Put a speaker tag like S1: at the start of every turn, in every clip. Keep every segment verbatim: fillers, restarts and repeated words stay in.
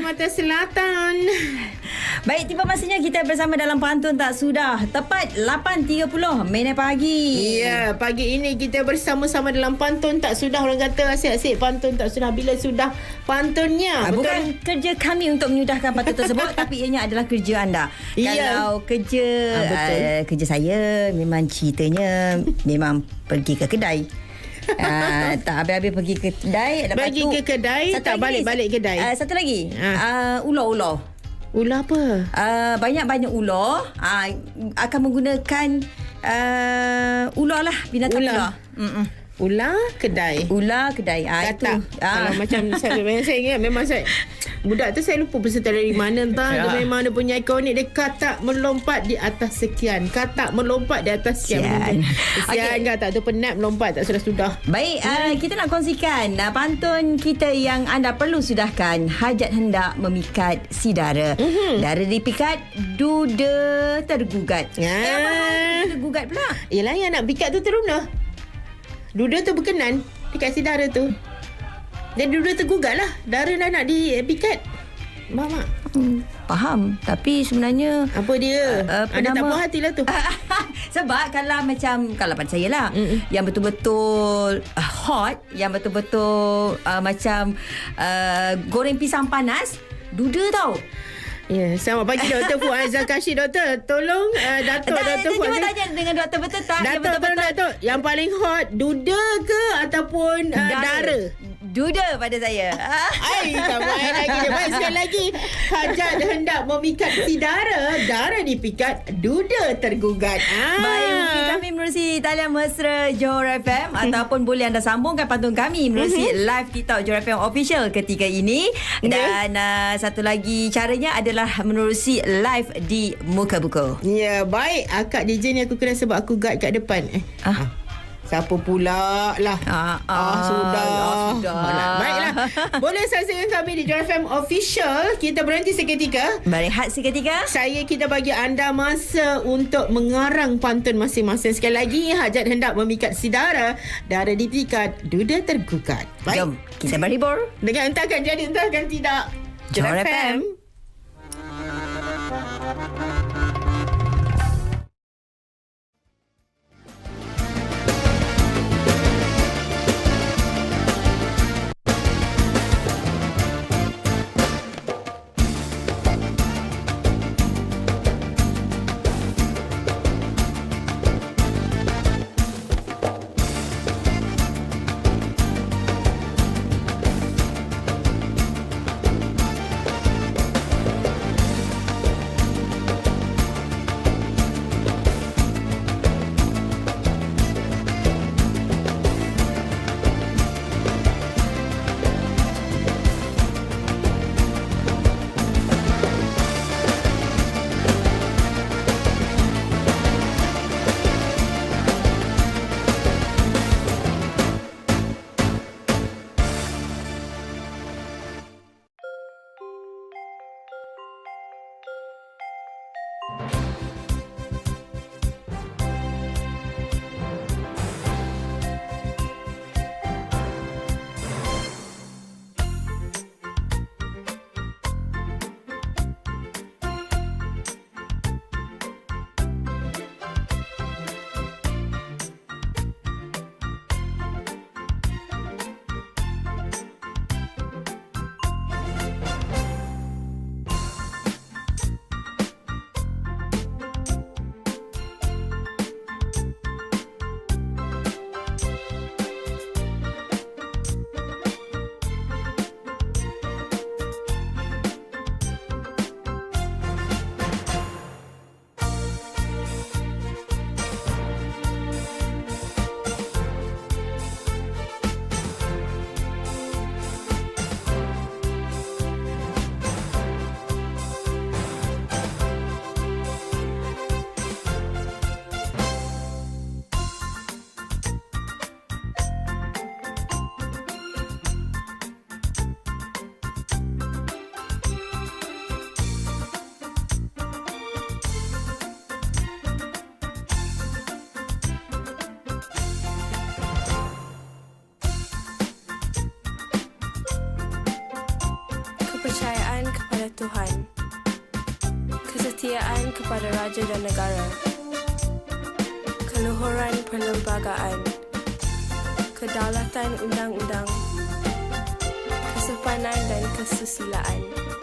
S1: Kalimantan Selatan.
S2: Baik, tiba masanya kita bersama dalam Pantun Tak Sudah. Tepat lapan tiga puluh minit pagi.
S1: Ya, pagi ini kita bersama-sama dalam Pantun Tak Sudah. Orang kata asyik-asyik Pantun Tak Sudah bila sudah pantunnya.
S2: Ah, bukan kerja kami untuk menyudahkan pantun tersebut tapi ianya adalah kerja anda.
S1: Ya.
S2: Kalau kerja
S1: Ah, betul.
S2: uh, kerja saya memang ceritanya memang pergi ke kedai. Uh, tak habis-habis pergi ke kedai. Lepas
S1: Pergi
S2: tu,
S1: ke kedai,
S2: satu
S1: tak
S2: lagi,
S1: balik-balik kedai.
S2: Uh, satu lagi.
S1: Ah.
S2: Uh, ular-ular.
S1: Ular apa?
S2: Uh, banyak-banyak ular uh, akan menggunakan uh, ular lah, binatang
S1: Ular.
S2: ular. Mm-mm.
S1: Ular kedai.
S2: Ular kedai. Ah, itu.
S1: Katak. Kalau
S2: Ah.
S1: macam saya, saya ingat memang saya budak tu saya lupa peserta dari mana entah.
S2: Ya.
S1: Dia memang dia punya ikonik dia katak melompat di atas sekian. Katak melompat di atas sekian.
S2: Sian.
S1: Sian
S2: Okey.
S1: kan tak tu penat melompat tak sudah-sudah.
S2: Baik, uh, kita nak kongsikan uh, pantun kita yang anda perlu sudahkan. Hajat hendak memikat si dara.
S1: Mhm.
S2: Dara dipikat, duda tergugat.
S1: Ya.
S2: Eh, apa hal duda tergugat pula?
S1: Yelah yang nak pikat tu teruna. Duda tu berkenan dekat si dara tu. Dan duda tergugat lah. Dara dah nak dipikat. Faham tak?
S2: Hmm, faham. Tapi sebenarnya
S1: Apa dia?
S2: Uh, apa
S1: Ada tak
S2: nama?
S1: puas hati lah tu.
S2: sebab kalau macam kalau pada saya lah,
S1: Mm-mm.
S2: yang betul-betul uh, hot, yang betul-betul uh, macam uh, goreng pisang panas, duda tau.
S1: Ya, selamat pagi Doktor Fuad Zakashi. Doktor, tolong uh, Datuk
S2: Tak,
S1: Doktor
S2: saya
S1: Fuad.
S2: cuba tanya dengan doktor betul tak? Yang
S1: Datuk, tolong
S2: betul-betul
S1: Datuk. Yang paling hot, duda ke ataupun uh, dara?
S2: Duda pada saya.
S1: Ai, tak main lagi dia. Baik, sekali lagi. Hajat hendak memikat si dara. Dara dipikat, duda tergugat. Ah.
S2: Baik, mungkin kami menerusi talian mesra Johor F M ataupun boleh anda sambungkan pantun kami menerusi live TikTok Johor F M Official ketika ini. Dan uh, satu lagi caranya adalah menerusi live di Muka Buku.
S1: Ya, baik. Akak D J ni aku kena sebab aku guide kat depan. Eh.
S2: Ah.
S1: Siapa pula lah?
S2: Ah, ah,
S1: ah sudah.
S2: ah, sudah.
S1: Alah, baiklah. Boleh saksikan kami di Johor F M Official. Kita berhenti seketika.
S2: Berehat seketika.
S1: Saya kita bagi anda masa untuk mengarang pantun masing-masing. Sekali lagi, hajat hendak memikat si dara. Dara dipikat, duda tergugat.
S2: Jom, kita berhibur.
S1: Dengan entahkan jadi, entahkan tidak.
S2: Johor F M.
S3: Tuhan, kesetiaan kepada raja dan negara, keluhuran perlembagaan, kedaulatan undang-undang, kesopanan dan kesusilaan.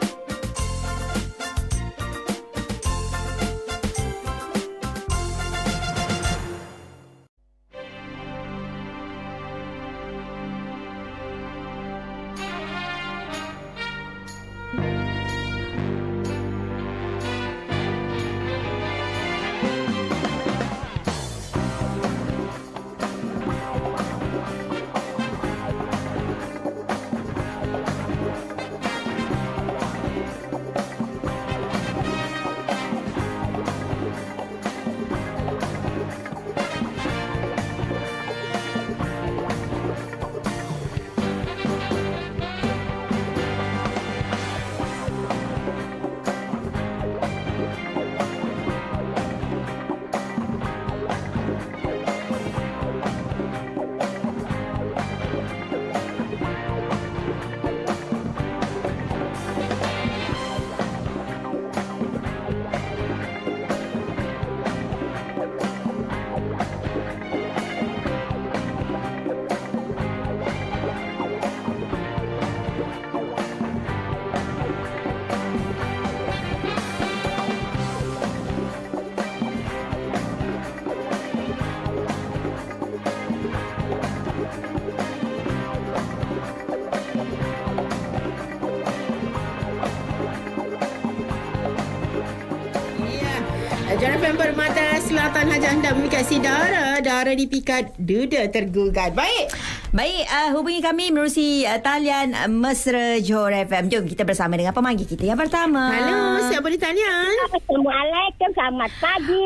S1: J R F M Permata Selatan Hajat hendak memikat si Dara. Dara dipikat, duda tergugat. Baik.
S2: Baik, uh, hubungi kami menerusi uh, talian uh, Mesra Johor F M. Jom kita bersama dengan pemanggil kita yang pertama.
S1: Halo, siapa di talian?
S4: Assalamualaikum, selamat pagi.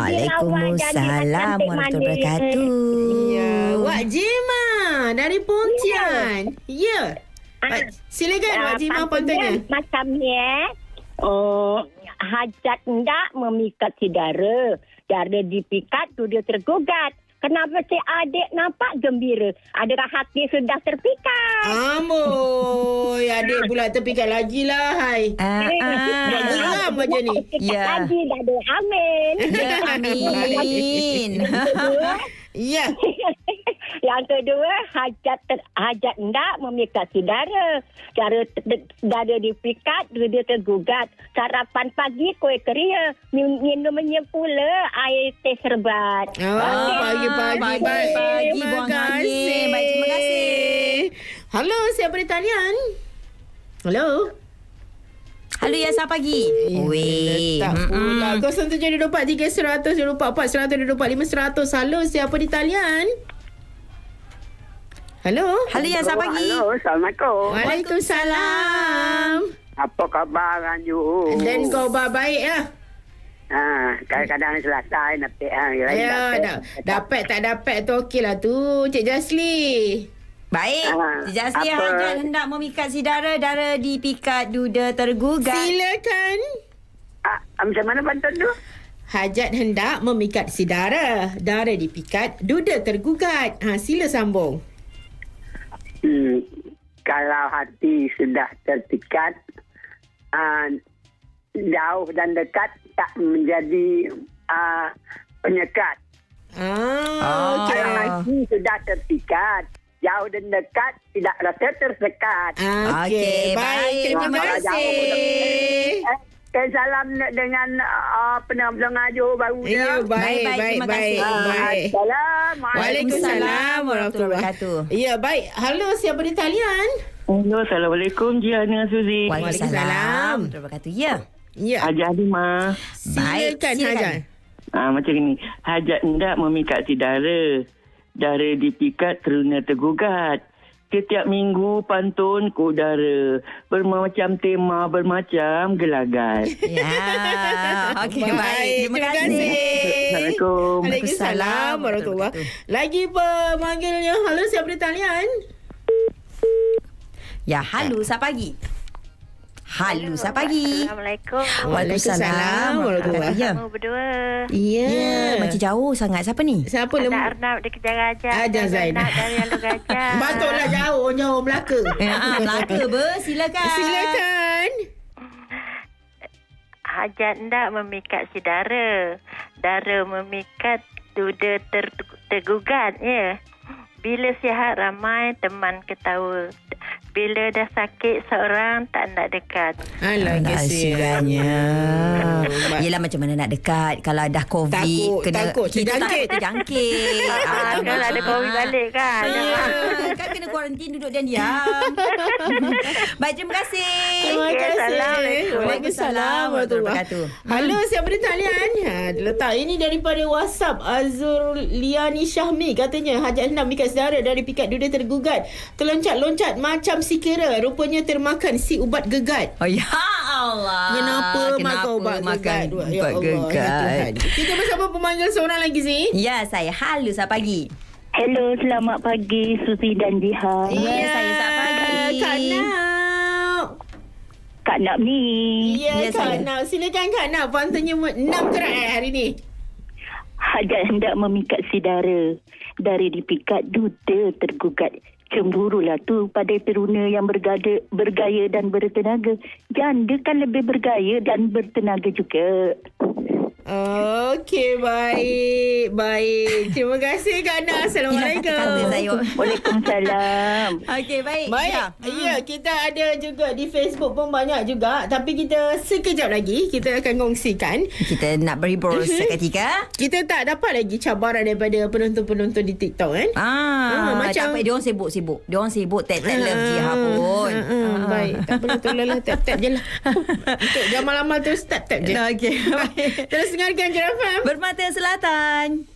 S2: Waalaikumsalam warahmatullahi wabarakatuh.
S1: Ya, Wak Jima dari Pontian. Ya.
S4: Ah.
S1: Silakan Wak Jima Pontian.
S4: Macam ni eh. Oh, hajat hendak memikat si Dara. Dara dipikat, tu dia tergugat. Kenapa si adik nampak gembira? Adakah hati sudah terpikat?
S1: Amboi, adik pula terpikat lagi lah. Hai.
S2: Ah,
S1: Buat
S2: ah.
S1: geram macam ni.
S4: Terpikat
S2: Ya.
S4: lagi dah ada. Amin.
S2: Ya, amin.
S1: Ya.
S4: Yang kedua, hajat ter, hajat hendak memikat si Dara. Cara Dara dipikat, dia tergugat. Sarapan pagi kuih keria. Minumnya pula air teh serbat.
S1: Oh, pagi-pagi.
S2: Pagi-pagi
S1: Baik.
S2: buang
S1: Terima
S2: angin.
S1: kasih.
S2: Baik, terima kasih.
S1: Halo, siapa di talian? Halo.
S2: Halo, ya, selamat pagi. Weh.
S1: Tak pula. kosong tujuh dua empat tiga seratus dua empat empat seratus dua empat lima seratus. Halo, siapa di talian? Halo.
S2: Halo, ya, selamat pagi.
S5: Halo, Assalamualaikum.
S1: Waalaikumsalam.
S5: Apa khabar Anju?
S1: Dan kau baik lah.
S5: Ha, kadang-kadang selesai napik ha.
S1: Ya, da- dapat tak dapat tu okey lah tu, Cik Jasli.
S2: Baik.
S5: Ah,
S2: Jasli
S5: apa?
S2: hajat hendak memikat si Dara. Dara dipikat, duda tergugat.
S1: Silakan.
S5: Ah, macam mana pantun tu?
S1: Hajat hendak memikat si Dara. Dara dipikat, duda tergugat. Ha, sila sambung.
S5: Hmm, kalau hati sudah terpikat, uh, jauh dan dekat tak menjadi uh, penyekat.
S1: Ah, okey.
S5: Kalau hati sudah terpikat, jauh dan dekat tidak rasa tersekat.
S1: Ah,
S2: Okey,
S1: okey. Baik,
S2: baik.
S1: terima
S5: Kalau jauh
S1: kasih.
S5: Eh, eh, salam dengan uh, pendengar Johor baru
S1: Ya,
S5: dia.
S1: baik,
S2: Baik, baik.
S1: baik,
S2: Terima
S1: baik.
S2: kasih.
S1: baik.
S5: Assalamualaikum.
S1: Waalaikumsalam warahmatullahi wabarakatuh. Ya, baik. Halo, siapa di talian?
S6: Hello, Assalamualaikum Jiana Suzi.
S2: Waalaikumsalam. Terima kasih. Ya.
S1: Ya,
S6: Hajat Halimah.
S2: Baik,
S1: silakan
S2: silakan.
S1: Hajat.
S6: Ah, macam ni. Hajat hendak memikat si Dara. Dara dipikat teruna tergugat. Setiap minggu pantun ku Dara. Bermacam tema, bermacam gelagat.
S2: Ya. Okey, baik.
S1: Baik,
S2: Terima
S1: terima
S2: kasih.
S1: kasih.
S6: Assalamualaikum.
S1: Waalaikumsalam warahmatullahi wabarakatuh. Lagi pemanggilnya. Halo, siapa di talian?
S2: Ya, halo, selamat pagi. Halo, selamat pagi.
S4: Assalamualaikum.
S1: Waalaikumsalam warahmatullahi
S2: Ya.
S4: Kamu berdua.
S1: Ya.
S2: Ya, macam jauh sangat. Siapa ni?
S1: Siapa
S4: Anak
S1: lemah?
S4: Arnab di Kejar Gajah.
S1: Ada Zainab.
S4: Dari Alu Gajah.
S1: Patutlah jauh, jauh Melaka.
S2: Eh, ah, Melaka ber, silakan.
S1: Silakan.
S7: hajat ndak memikat si dara. Dara memikat duda ter, tergugat, ya. Bila sihat ramai teman ketawa. Bila dah sakit seorang tak nak dekat.
S1: Alah,
S2: kesiannya. Yelah, macam mana nak dekat kalau dah COVID.
S1: Takut,
S2: kena,
S1: takut,
S2: kita
S1: terjangkit.
S2: tak terjangkit.
S7: Ah, kalau ada COVID balik kan.
S2: Ah, kan kena kuarantin duduk dan diam. Baik, terima kasih.
S1: Terima
S7: Okey,
S1: kasih.
S7: Assalamualaikum.
S1: Waalaikumsalam warahmatullahi
S2: wabarakatuh.
S1: Halo, siapa di talian? Ha, letak ini daripada WhatsApp Azur Liani Syahmi. Katanya hajat hendak mikat saudara dari pikat duda tergugat. Terloncat-loncat macam si kera. Rupanya termakan si ubat gegat.
S2: Oh, ya Allah.
S1: Kenapa, makan ubat
S2: makan
S1: gegat?
S2: ubat
S1: Ya Allah, ya
S2: gegat?
S1: Tuhan. Kita bersama pemanggil seorang lagi, Zee.
S2: Ya, saya. Halo, selamat pagi.
S6: Hello, selamat pagi Susi dan Jihan.
S2: Ya, saya selamat pagi.
S1: Kak Nak.
S6: Kak Nak ni.
S1: Ya,
S2: Ya,
S1: Kak
S2: saya.
S1: Nak. Silakan Kak Nak. Pantunya enam kerat eh, hari ni.
S6: Hajat hendak memikat si dara. Dari dipikat duda tergugat. Cemburulah tu pada teruna yang bergada, bergaya dan bertenaga. Janda kan lebih bergaya dan bertenaga juga.
S1: Okey, baik. Baik. Terima kasih Kak Nak. Assalamualaikum.
S2: Hilang kata-kata saya.
S6: Waalaikumsalam.
S2: Okey, baik.
S1: Baik. Ya. ya, kita ada juga di Facebook pun banyak juga. Tapi kita sekejap lagi kita akan kongsikan.
S2: Kita nak berhibur seketika.
S1: Kita tak dapat lagi cabaran daripada penonton-penonton di TikTok kan?
S2: Ah,
S1: Ah, macam-
S2: tak apa, dia orang sibuk-sibuk. Dia orang sibuk tap-tap love Jiha pun.
S1: Ah, ah, baik. Tak perlu tolong lah. Tap-tap je lah. Untuk gamal-amal terus tap-tap je.
S2: Okey, baik.
S1: Terus dengarkan J F M.
S2: Bermata Selatan.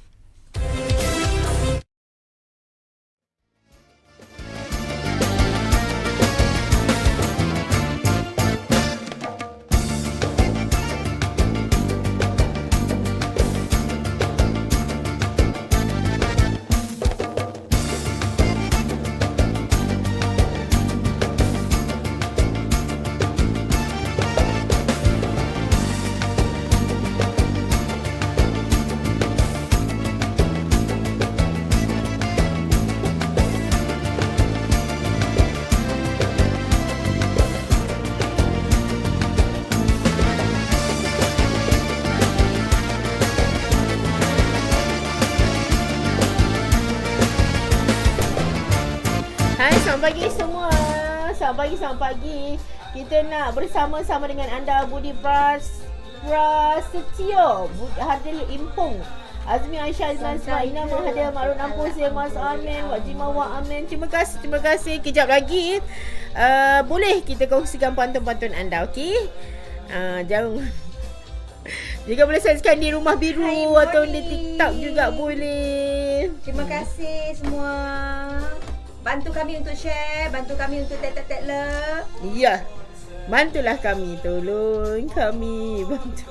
S1: Hai, selamat pagi semua. Selamat pagi, selamat pagi. Kita nak bersama-sama dengan anda Budi Pras Prasetyo, Hadil Impung, Azmi Aisyah Azman Ismaina, Mahathir Makrun Ampus, Mas Amin, Wak Jimah Wak Amin. Terima kasih, terima kasih. Kejap lagi uh, boleh kita kongsikan pantun-pantun anda, okey? Uh, jangan jika boleh saksikan di Rumah Biru
S2: Hai,
S1: atau di
S2: morning.
S1: TikTok juga boleh.
S2: Terima kasih semua. Bantu kami untuk share, bantu kami untuk tap-tap love.
S1: Ya. Bantulah kami, tolong kami bantu.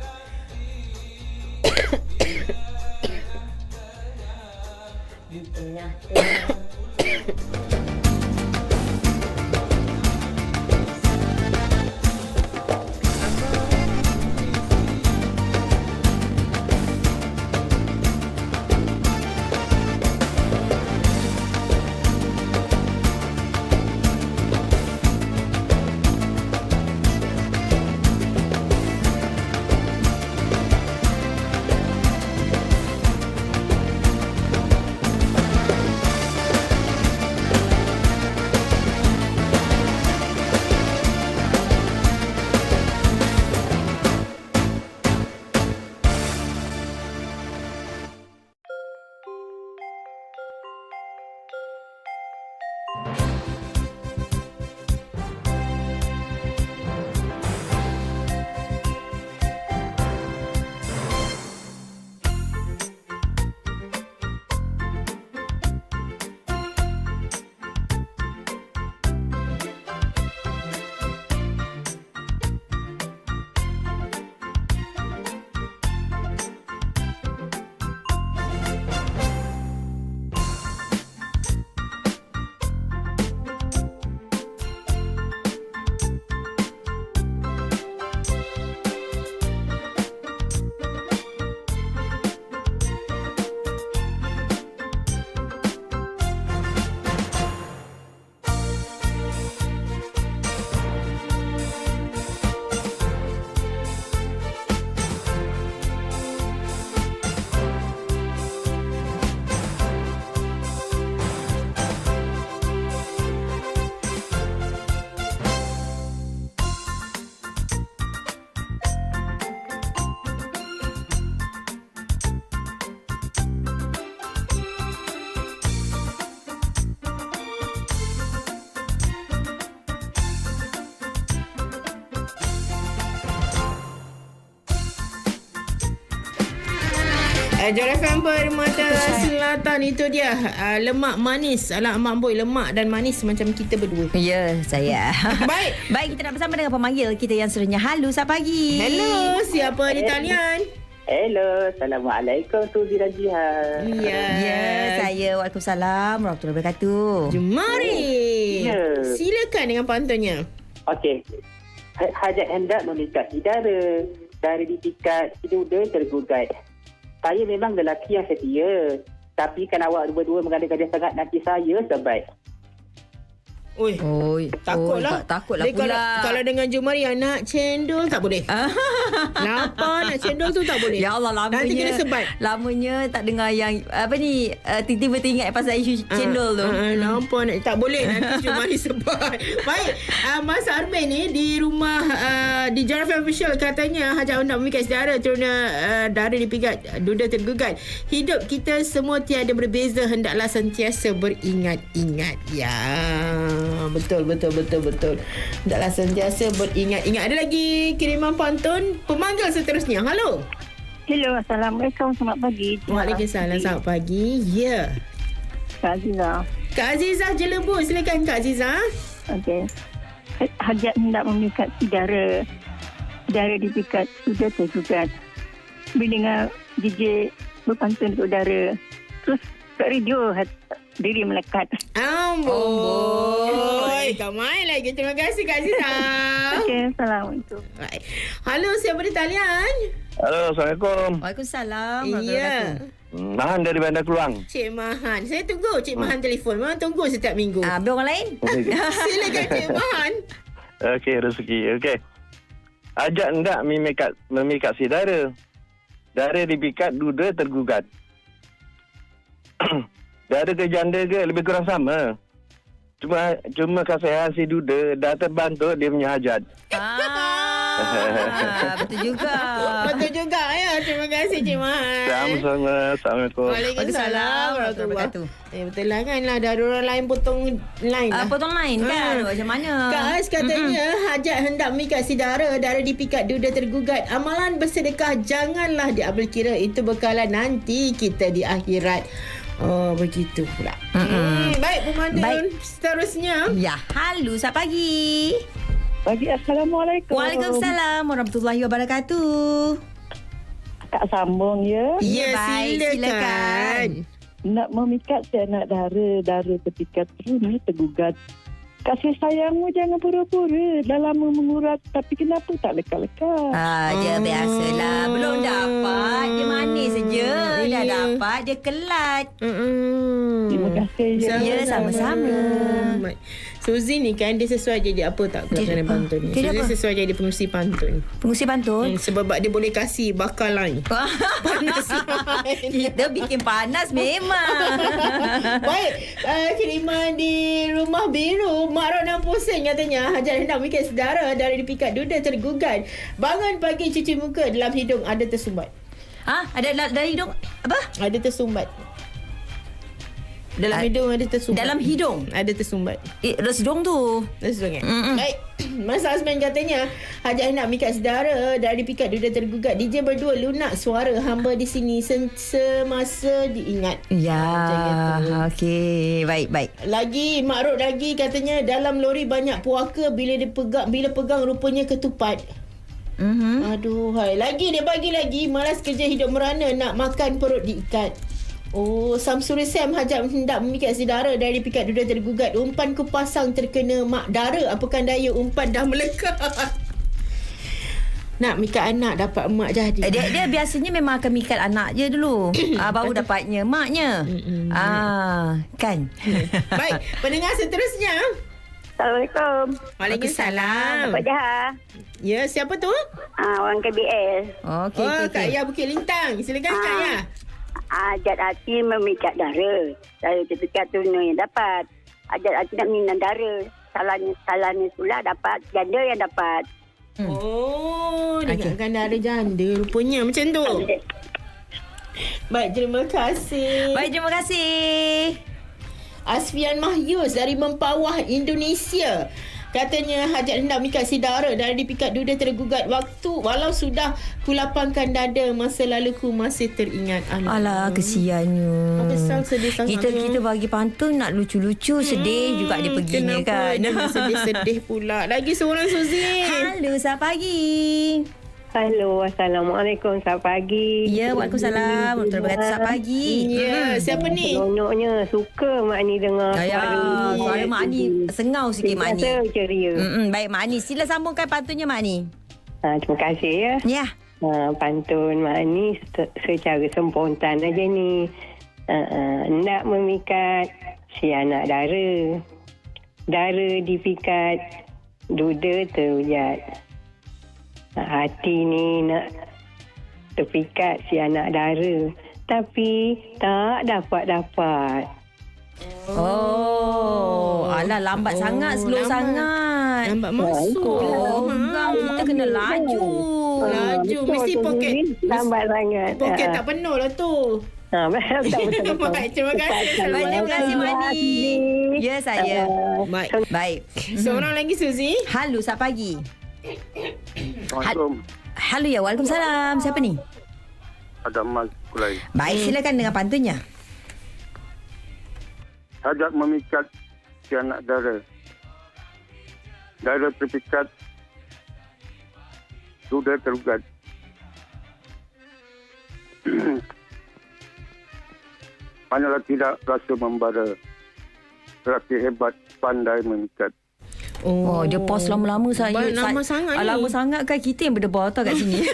S2: Di tengah-tengah
S1: Uh, Jor F M Permata Selatan itu dia. Uh, lemak manis. Alah Mak Boy, lemak dan manis macam kita berdua.
S2: Ya, saya.
S1: Baik.
S2: Baik, kita nak bersama dengan pemanggil kita yang seterusnya. Halo, selamat pagi.
S1: Hello, siapa di talian?
S5: Hello, Assalamualaikum Tu Dirajihan.
S1: Ya.
S2: Ya, saya. Waalaikumsalam warahmatullahi wabarakatuh.
S1: Jemari.
S5: Ya.
S1: Silakan dengan pantunnya.
S5: Okey. Ha- Hajat hendak memikat saudara. Dari dipikat, duda tergugat. Saya memang lelaki yang setia. Tapi kan awak dua-dua mengada-gada sangat nanti saya sebaik.
S1: Oi.
S2: Oi,
S1: Takutlah.
S2: oi, tak, takutlah
S1: Dia
S2: pula.
S1: Kalau, kalau dengan Jumari nak cendol tak boleh. Lapar nak cendol tu tak boleh.
S2: Ya Allah, lamanya.
S1: Nanti kena sebat.
S2: Lamanya tak dengar yang apa ni, uh, tiba-tiba teringat pasal isu cendol tu.
S1: Uh, uh, nampak nak, tak boleh nanti Jumari sebat. Baik, uh, Mas Armin ni di rumah uh, di Jor F M Official katanya hajat hendak memikat saudara turuna uh, dara dipikat, duda tergugat. Hidup kita semua tiada berbeza, hendaklah sentiasa beringat-ingat. Ya, betul betul betul betul. Hendaklah sentiasa beringat-ingat. Ada lagi kiriman pantun pemanggil seterusnya. Halo.
S4: Hello, Assalamualaikum. Selamat pagi.
S1: Waalaikumsalam. Selamat pagi. Ya. Yeah.
S4: Kak Aziza.
S1: Kak Azizah Jelebu. Silakan Kak Azizah.
S4: Okey. Hajat hendak memikat saudara. Saudara dipikat, sudah tergugat. Bila dengar D J berpantun untuk saudara. Terus kat radio diri melekat.
S1: Amboi. Kau main lagi. Terima kasih Kak Azizah.
S4: Okey, Assalamualaikum.
S1: Baik. Halo, siapa di talian?
S8: Halo, Assalamualaikum.
S2: Waalaikumsalam.
S1: Ya.
S8: Hmm, Mahan dari Bandar Keluang.
S1: Cik Mahan. Saya tunggu Cik Mahan telefon. Memang tunggu setiap minggu.
S2: Ah, habis orang lain?
S1: Silakan Cik Mahan.
S8: Okey, rezeki. Okey. Ajak hendak memikat, memikat saudara. Dara dipikat, duda tergugat. Dara ke janda ke lebih kurang sama. Cuma cuma kasihan si duda dah terbantu dia punya hajat.
S2: Ah, betul juga.
S1: Betul juga ya. Terima kasih Cik Mahan.
S8: Sama-sama. Assalamualaikum.
S1: Waalaikumsalam warahmatullahi wabarakatuh. Eh, betul lah kan lah. Dah ada orang lain potong line
S2: Ah,
S1: lah.
S2: potong lain kan?
S1: Ah.
S2: Macam mana?
S1: Kak Ais katanya mm-hmm. hajat hendak memikat saudara, dara dipikat, duda tergugat. Amalan bersedekah janganlah diambil kira, itu bekalan nanti kita di akhirat. Oh, begitu pula. Hmm, baik pemandu
S2: Baik.
S1: seterusnya.
S2: Ya, halo, selamat pagi.
S4: Pagi, Assalamualaikum.
S2: Waalaikumsalam warahmatullahi wabarakatuh.
S4: Kak sambung ya.
S1: Ya,
S2: baik,
S1: silakan.
S2: silakan.
S4: Nak memikat si anak dara, dara ketika terus tergugat. Kasih sayangmu jangan pura-pura. Dah lama mengurat, tapi kenapa tak lekat-lekat?
S2: Ah, dia
S1: Oh.
S2: biasalah. Belum dapat, dia manis saja. Dah
S1: Ya.
S2: dapat, dia kelat.
S1: Mm-mm.
S4: Terima kasih.
S2: Ya, sama-sama.
S1: Baik. Suzy ni kan dia sesuai jadi apa tak pelaksanaan pantun ni.
S2: Dia
S1: Suzy
S2: apa?
S1: sesuai jadi pengurusi pantun.
S2: Pengurusi pantun.
S1: Hmm, sebab dia boleh kasih bakal lain. Panas lain.
S2: Kita bikin panas memang.
S1: Baik, uh, kiriman di Rumah Biru, Mak Rona pusing katanya hajat hendak mikir saudara dari dipikat duda tergugat. Bangun pagi cuci muka, dalam hidung ada tersumbat.
S2: Ha? Ada da- dari hidung apa?
S1: Ada tersumbat. Dalam
S2: A-
S1: hidung ada tersumbat.
S2: Dalam hidung?
S1: Ada tersumbat.
S2: Eh, resdung tu.
S1: Tersumbat kan?
S2: Mm-mm.
S1: Baik. Mas Azman katanya hajat hendak mikat saudara dari pikat duda tergugat. D J berdua lunak suara hamba di sini sen- semasa diingat.
S2: Ya,
S1: Macam itu.
S2: okey. Baik, baik.
S1: Lagi Mak Rod lagi katanya dalam lori banyak puaka, bila dia pegang bila pegang rupanya ketupat.
S2: Mhm.
S1: Aduh, hai. Lagi dia bagi lagi, malas kerja hidup merana, nak makan perut diikat. Oh, Samsuri Sam hajat hendak memikat saudara dari pikat duda tergugat. Umpan ku pasang terkena mak dara, apakah daya umpan dah melekat. Nak mikat anak dapat emak jadi.
S2: Eh, Dia dia biasanya memang akan mikat anak je dulu. ah, baru dapatnya maknya. Ah, kan.
S1: Baik, pendengar seterusnya.
S4: Assalamualaikum.
S1: Waalaikumsalam.
S4: Pak Jaha.
S1: Ya, siapa tu?
S4: Ah, orang K B S.
S2: Okey,
S1: Oh,
S2: okey.
S1: Kak Ya Bukit Lintang. Silakan Kak Ya.
S4: Ajat hati memikat dara. Dara terpikat tuna yang dapat. Ajat hati nak minum dara. Salahnya, salahnya pula dapat. Janda yang dapat.
S2: Hmm.
S1: Oh,
S2: Okey.
S1: dengarkan dah ada janda rupanya macam tu. Baik, terima kasih.
S2: Baik, terima kasih.
S1: Asfian Mahyus dari Mempawah, Indonesia. Katanya hajat hendak mengikat si dara dari dipikat duda tergugat waktu walau sudah kulapangkan dada masa laluku masih teringat. Alah,
S2: Alah, kesiannya.
S1: Apa sal sedih sangat.
S2: Kita kita bagi pantun nak lucu-lucu, sedih juga dia perginya
S1: Kenapa
S2: kan.
S1: dia nak sedih-sedih pula. Lagi seorang Suzy.
S2: Halo, selamat pagi.
S9: Halo, Assalamualaikum. Selamat pagi.
S2: Ya, Waalaikumsalam. Warahmatullahi wabarakatuh. Selamat pagi.
S1: Ya, siapa ni?
S9: Seronoknya. Suka Mak Ni dengar.
S2: Ya, suara Mak Ni sengau sikit Mak Ni.
S9: Biasa ceria.
S2: Mm-mm, baik Mak Ni, sila sambungkan pantunnya Mak Ni.
S9: Ha, terima kasih ya.
S2: Ya.
S9: Ha, pantun Mak Ni se- secara spontan aja ni. Ha, ha, nak memikat si anak dara. Dara dipikat, duda terujat. Hati ni nak terpikat si anak dara. Tapi tak dapat-dapat.
S2: Oh, alah lambat
S1: Oh,
S2: sangat, slow
S1: lambat.
S2: sangat.
S1: Lambat masuk.
S2: Oh,
S1: Ha.
S2: kita kena laju.
S1: Laju. Mesti poket.
S9: Lambat sangat.
S1: Poket
S9: Ha.
S1: tak penuh lah tu.
S9: Ha, betul, betul, betul.
S1: Baik, terima kasih.
S2: Baik, terima kasih Mak Ni. Ya, saya.
S1: Baik.
S2: Baik.
S1: Seorang lagi Suzy.
S2: Halo, selamat pagi.
S8: Assalamualaikum.
S2: Halo ya, Waalaikumsalam. Siapa ni?
S8: Ada Mas Kulai.
S2: Baik, silakan dengan pantunnya.
S8: Hajat memikat si anak dara. Dara terpikat, duda terugat. Hanyalah tidak rasa membara. Lelaki hebat, pandai memikat.
S2: Oh, dia pause lama-lama saya.
S1: Ba- lama
S2: Sa-
S1: sangat
S2: ah,
S1: ni.
S2: Lama sangat kan kita yang berdebar tau kat sini.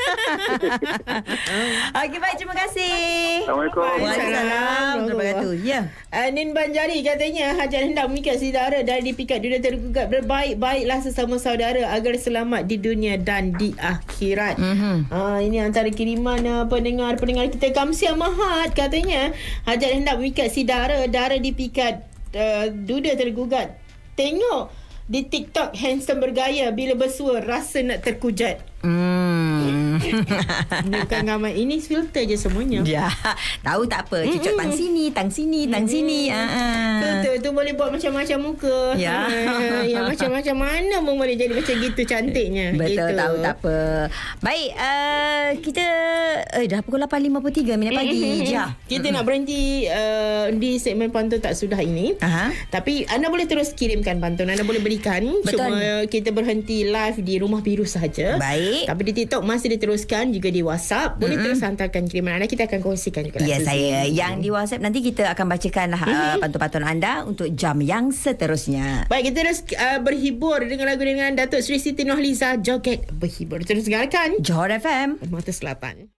S2: Okey, baik, terima kasih.
S8: Assalamualaikum.
S2: Waalaikumsalam. Wabarakatuh. Ya.
S1: Uh, Nin Banjari katanya hajat hendak mengikat si dara dari dipikat duda tergugat. Berbaik-baiklah sesama saudara agar selamat di dunia dan di akhirat.
S2: Mhm.
S1: Uh, ini antara kiriman uh, pendengar-pendengar kita. Kamsia Mahat katanya hajat hendak mengikat si dara dara dipikat uh, duda tergugat. Tengok di TikTok handsome bergaya bila bersua rasa nak terkujat.
S2: Hmm.
S1: Bukan gambar ini filter je semuanya.
S2: Ya, tahu tak apa. Cucuk tang sini, tang sini, tang sini. Ah. ah.
S1: Filter tu boleh buat macam-macam muka.
S2: Ya.
S1: Ha, yang macam-macam mana pun boleh jadi macam gitu cantiknya.
S2: Betul,
S1: gitu.
S2: tahu tak apa. Baik, uh, kita eh dah pukul lapan lima puluh tiga minit pagi. Ja.
S1: Kita nak berhenti uh, di segmen pantun tak sudah ini.
S2: Aha.
S1: Tapi anda boleh terus kirimkan pantun. Anda boleh berikan.
S2: Betul.
S1: Cuma kita berhenti live di Rumah Biru sahaja.
S2: Baik.
S1: Tapi di TikTok masih diteruskan, juga di WhatsApp. Boleh mm-hmm. terus hantarkan kiriman anda. Kita akan kongsikan juga.
S2: Ya,
S1: Suzy.
S2: saya. Yang di WhatsApp nanti kita akan bacakan uh,
S1: Mm-hmm.
S2: pantun-pantun anda untuk jam yang seterusnya.
S1: Baik, kita terus uh, berhibur dengan lagu dengan Datuk Sri Siti Nurhaliza, Joget Berhibur. Terus dengarkan
S2: Johor F M.
S1: Mata Selatan.